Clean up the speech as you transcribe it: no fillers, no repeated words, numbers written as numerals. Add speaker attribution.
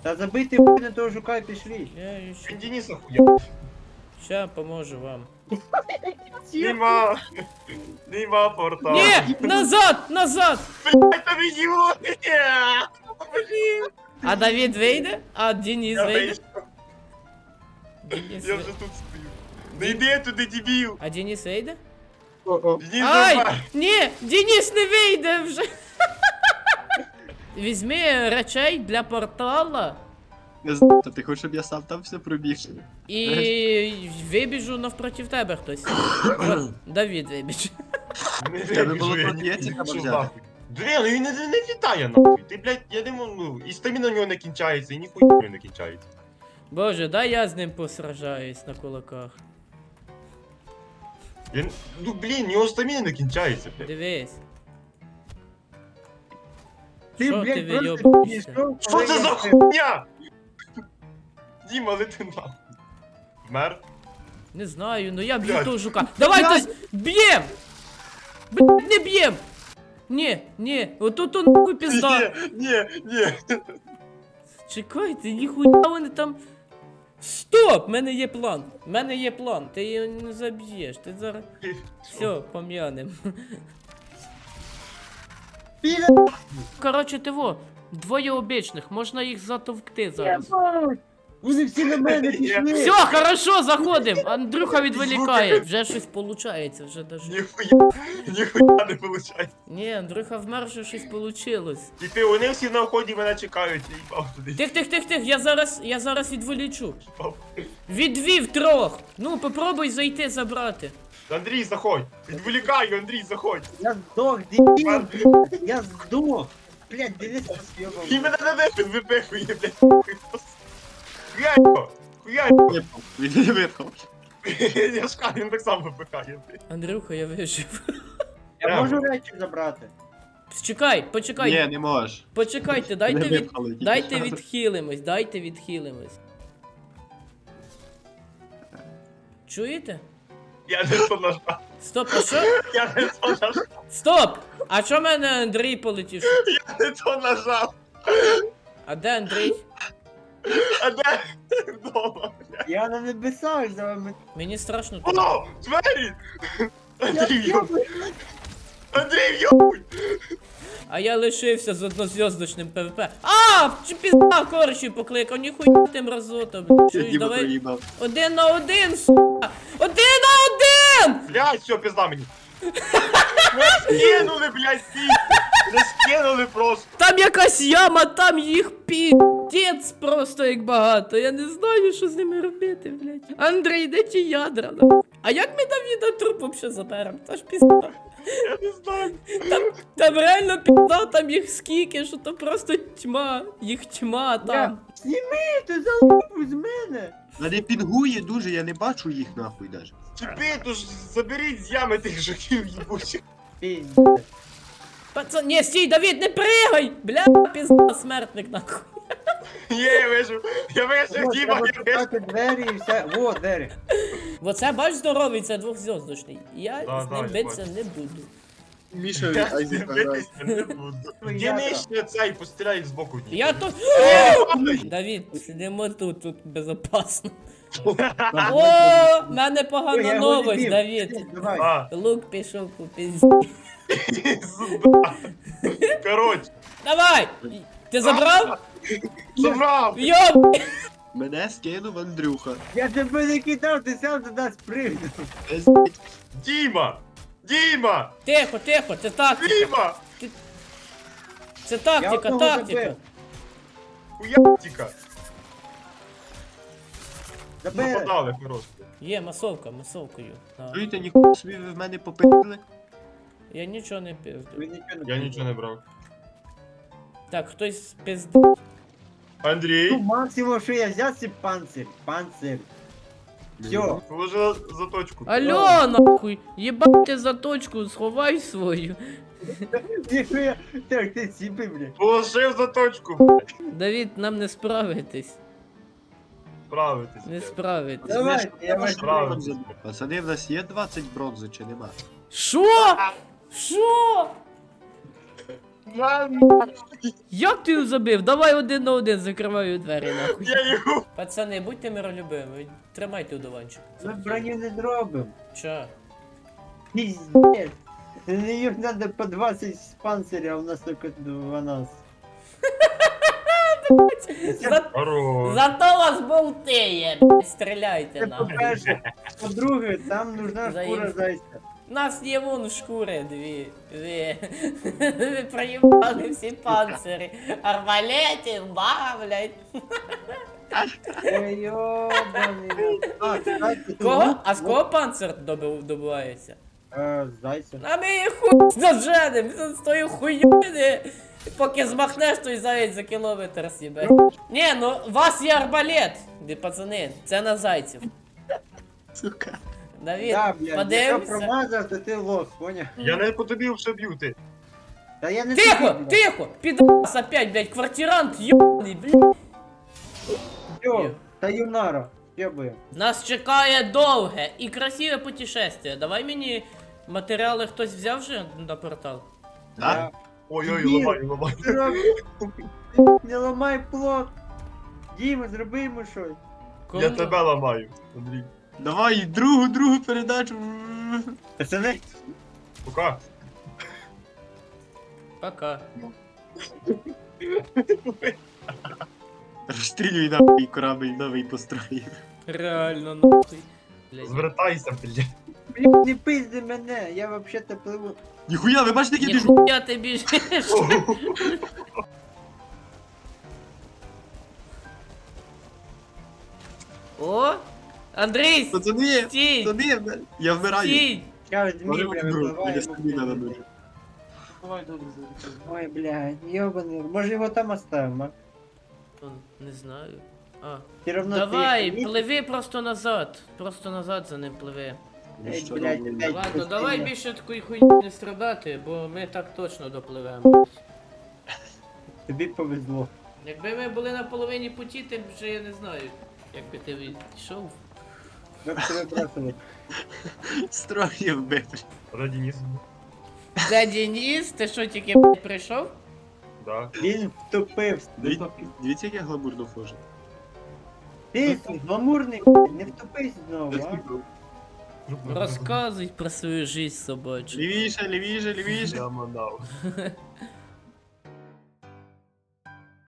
Speaker 1: Та забийте на того жука і пішли.
Speaker 2: Я ще...
Speaker 3: Дениса хуя.
Speaker 2: Ща поможу вам.
Speaker 3: Нема. Нема порта.
Speaker 2: Ні! Назад! Назад!
Speaker 3: Блядь, там идиот! Блин!
Speaker 2: А Давід вийде? А Денис
Speaker 3: Я
Speaker 2: вийде?
Speaker 3: вийшов.
Speaker 2: Денис
Speaker 3: Я вже
Speaker 2: вийде.
Speaker 3: тут стою. Не йди туди, дебіл!
Speaker 2: А Денис вийде?
Speaker 3: Денис
Speaker 2: Ай!
Speaker 3: нормально.
Speaker 2: Ні! Денис не вийде вже! Візьми речей для портала
Speaker 4: Не знаю, ти хочеш, щоб я сам там все пробіг?
Speaker 2: і вибіжу навпроти тебе хтось. От, Давід вибіж.
Speaker 3: Не
Speaker 4: Тебе було
Speaker 3: вибіжу, я
Speaker 4: тут
Speaker 3: не
Speaker 4: яйця
Speaker 3: вибіжу
Speaker 4: треба взяти.
Speaker 3: нахуй. Блін, ну він не літає нахуй. Ти, блядь, я не можу, ну, і стаміна у нього не кінчається, і ніхуя у нього не кінчається.
Speaker 2: Боже, дай я з ним посражаюсь на кулаках.
Speaker 3: Він, ну, блін, у нього стаміна не кінчається, блядь.
Speaker 2: Дивись.
Speaker 1: Ти,
Speaker 2: Що ти
Speaker 1: блядь, просто
Speaker 2: вийобуєшся?
Speaker 1: підійшов,
Speaker 3: Що
Speaker 1: коли
Speaker 3: це
Speaker 1: я
Speaker 3: за
Speaker 1: це-
Speaker 3: хуйня? Діма, лети нахуй. Вмер?
Speaker 2: Не знаю, ну я б'ю
Speaker 3: Блядь.
Speaker 2: того жука. Давайте б'єм! Блядь, не б'єм! Ні, отут он нахуй пізда.
Speaker 3: Ні.
Speaker 2: Чекайте, ніхуя вони там. Стоп! В мене є план. В мене є план. Ти його не заб'єш. Ти зараз. Все, пом'янем.
Speaker 1: Піде-
Speaker 2: Коротше, ти двоє обічних, можна їх затовкти зараз.
Speaker 1: Вони всі на мене пішли.
Speaker 2: Все, хорошо, заходим. Андрюха відволікає. Вже щось получається, вже даже.
Speaker 3: Ніхуя не виходить.
Speaker 2: Ні, Андрюха вмер, вже щось получилось.
Speaker 3: І ти, вони всі на вході мене чекають, я їбав туди.
Speaker 2: Тих, я зараз відволічу.
Speaker 3: їбав.
Speaker 2: Відвів трьох. Ну, попробуй зайти забрати.
Speaker 3: Андрій, заходь. Відволікаю, Андрій, заходь.
Speaker 1: Я здох, дебіл, блядь. Я здох. Блядь, Денис
Speaker 3: І
Speaker 1: роз'єбав.
Speaker 3: мене на небі випихує, блядь. Хуяй його! Хуяй його!
Speaker 4: Він не випав.
Speaker 3: Я ж кажу, він так само випихає, блядь.
Speaker 2: Андрюха, я вижив.
Speaker 1: Я можу речі забрати.
Speaker 2: Почекай.
Speaker 4: Ні, не можеш.
Speaker 2: Почекайте,
Speaker 4: Не випхали тільки
Speaker 2: дайте
Speaker 4: що.
Speaker 2: відхилимось. Чуєте?
Speaker 3: Я не то нажав.
Speaker 2: Стоп, а що?
Speaker 3: Я не то нажав.
Speaker 2: Стоп! А чо мене Андрій полетів?
Speaker 3: Я не то нажав.
Speaker 2: А де Андрій?
Speaker 3: А де? Вдома.
Speaker 1: Я на небесах за вами.
Speaker 2: Мені страшно тут.
Speaker 3: О, двері!
Speaker 1: Я
Speaker 3: Андрій, йоб...
Speaker 1: йобаю.
Speaker 3: Андрій, йобуй!
Speaker 2: А я лишився з однозв'язочним ПВП. А! Чи пізда корчі покликав, ніхуя ти мразота, блядь. Чуєш,
Speaker 4: Діма
Speaker 2: давай
Speaker 4: проїбав.
Speaker 2: 1 на 1, сука! 1 на 1!
Speaker 3: Блядь, все, пизда мені. Мене скинули, блядь, стій! Мене скинули просто.
Speaker 2: Там якась яма, там їх піздець просто як багато. Я не знаю, що з ними робити, блядь. Андрій, де ті ядра? нахуй? А як ми Давіда труп вообще заберемо? Це ж пізда.
Speaker 3: Я не знаю.
Speaker 2: Там реально пізда, там їх скільки, що то просто тьма. Їх тьма там.
Speaker 1: Зніми, ти залупу з мене.
Speaker 4: Вони пінгує дуже, я не бачу їх нахуй даже.
Speaker 3: Чіпи, то ж заберіть з ями тих жуків їбучих.
Speaker 1: Піздець.
Speaker 2: Пацан, ні, стій, Давід, не пригай! Бля, пізда, смертник нахуй.
Speaker 3: Є, я вижу. Я вижу,
Speaker 1: От,
Speaker 3: Діма,
Speaker 1: треба
Speaker 3: я вижу.
Speaker 1: шукати двері і все. Во, двері.
Speaker 2: Оце бач здоровий, це двохзв'язочний. Я
Speaker 3: Да,
Speaker 2: з
Speaker 3: да,
Speaker 2: ним
Speaker 3: я
Speaker 2: битися
Speaker 3: бачу.
Speaker 2: не буду.
Speaker 4: Міша
Speaker 3: Я з ним битися не буду. Дінишня цей, постріляй збоку.
Speaker 2: Я тут.
Speaker 3: Ні,
Speaker 2: Давід, сидимо тут безопасно.
Speaker 4: Ага.
Speaker 2: О, в мене
Speaker 1: Ой,
Speaker 2: погана
Speaker 1: я його
Speaker 2: новость,
Speaker 1: відбив.
Speaker 2: Давід.
Speaker 1: Давай.
Speaker 3: А,
Speaker 2: Лук пішов по пізді.
Speaker 3: пизда. Коротше,
Speaker 2: Давай! Ти забрав?
Speaker 3: забрав.
Speaker 2: Йоб!
Speaker 4: Мене скинув Андрюха.
Speaker 1: Я тебе не кидав, ти сам туди спригнув.
Speaker 4: Пиздить.
Speaker 3: Діма! Діма!
Speaker 2: Тихо, це тактика.
Speaker 3: Діма!
Speaker 2: Це тактика,
Speaker 1: одного
Speaker 2: тактика.
Speaker 1: забив.
Speaker 3: Хуятіка!
Speaker 1: Забери.
Speaker 3: Нападали просто.
Speaker 2: Є масовкою. На.
Speaker 4: Чуєте, ніхуя собі ви в мене попили?
Speaker 2: Я нічого не пизду.
Speaker 1: Ви нічого
Speaker 3: Я нічого не брав.
Speaker 2: Так, хтось пизду.
Speaker 1: Ну,
Speaker 3: Андрій,
Speaker 1: максимум, що я взяв, це панцир. Панцир. Все.
Speaker 3: положила заточку.
Speaker 2: Алло, нахуй! Єбайте заточку, сховай свою.
Speaker 1: Ніхуя. Так, ти сіпи, блядь.
Speaker 3: Положив заточку, блядь.
Speaker 2: Давід, нам не справитись.
Speaker 3: Справитись.
Speaker 2: Не
Speaker 3: блядь.
Speaker 2: справитись.
Speaker 1: Давай, я вас
Speaker 3: Справитись.
Speaker 4: Пацани, в нас є 20 бронзи чи нема?
Speaker 2: Що? Що? Як ти його забив? Давай 1 на 1, закриваю двері нахуй.
Speaker 3: Я його.
Speaker 2: Пацани, будьте миролюбивими, тримайте удованчик.
Speaker 1: Ми броню не зробимо.
Speaker 2: Чо?
Speaker 1: Пиздец. Їх надо по 20 з панциря, а у нас тільки 12.
Speaker 3: Хорош.
Speaker 2: Зато вас болтає, стріляйте
Speaker 1: Це
Speaker 2: нахуй.
Speaker 1: по-перше. По-друге, там нужна
Speaker 2: Заїм.
Speaker 1: шкура зайця.
Speaker 2: У нас є вон шкури дві. Ви проїбали всі панцири. Арбалетів, ба, блядь.
Speaker 1: Ой, йобаний. А, кстати,
Speaker 2: Кого? А з кого панцир добувається?
Speaker 1: Зайця.
Speaker 2: А ми їх хуй заженем з тою хуйню. Поки змахнеш, той заєць за кілометр сібе. Ні, ну у вас є арбалет, де пацани, це на зайців.
Speaker 4: Сука.
Speaker 2: Давід,
Speaker 1: Да, блядь, якщо
Speaker 2: подивимося.
Speaker 1: промазав, то ти лох, поняв?
Speaker 3: Я не по тобі вже б'ю ти.
Speaker 1: Та я не
Speaker 2: Тихо,
Speaker 1: тобі, блядь.
Speaker 2: тихо, підас опять, блядь, квартирант, ёбаний, блядь.
Speaker 1: Всьо, та юнара, єбує.
Speaker 2: Нас чекає довге і красиве путешествие. Давай мені матеріали хтось взяв вже на портал?
Speaker 4: Так?
Speaker 3: Ой-ой,
Speaker 1: Ні.
Speaker 3: ламай.
Speaker 1: Не ламай плот. Діма, зроби йому щось.
Speaker 3: Я тебе ламаю, Андрій.
Speaker 4: Давай другу передачу.
Speaker 1: Пацани,
Speaker 3: Пока.
Speaker 2: Пока.
Speaker 4: Розстрілюй нахуй корабль новий построїв.
Speaker 2: Реально, нахуй. Блядь.
Speaker 3: Звертайся, блядь.
Speaker 1: блін, не пизди мене, я вообще-то пливу.
Speaker 4: Ніхуя, ви бачите, які біжу?
Speaker 2: Ніхуя ти біжиш. О, Андрій,
Speaker 4: Пацани,
Speaker 2: стій,
Speaker 4: пацани, я вмираю.
Speaker 2: стій.
Speaker 1: Я
Speaker 4: Може
Speaker 1: Дмитрия
Speaker 4: бути друг, мені
Speaker 1: випливаю.
Speaker 4: стаміна на дуже.
Speaker 1: Ой, блядь, ёбаный. Може його там оставимо, а?
Speaker 2: Не знаю. А.
Speaker 1: Все равно
Speaker 2: Давай,
Speaker 1: ти...
Speaker 2: пливи просто назад. Просто назад за ним пливи.
Speaker 1: Ей,
Speaker 4: Що
Speaker 1: блядь,
Speaker 4: робимо?
Speaker 1: опять
Speaker 2: Ладно,
Speaker 1: пустыня.
Speaker 2: давай більше такої хуйні не страдати, бо ми так точно допливемо.
Speaker 1: Тобі повезло.
Speaker 2: Якби ми були на половині путі, ти б вже я не знаю, як би ти відійшов.
Speaker 1: Ми б тебе бросили.
Speaker 4: Строїв бити.
Speaker 3: Раді ніс.
Speaker 2: Де Денис? Ти що тільки блядь, прийшов?
Speaker 3: Да.
Speaker 1: Він втопився.
Speaker 4: Дивіться, як я гламурно хожу.
Speaker 1: Ти гламурний, не втопись знову, а?
Speaker 2: Розказуй про свою жизнь собачу.
Speaker 4: Лівіше, лівіше, лівіше.
Speaker 3: Я манав.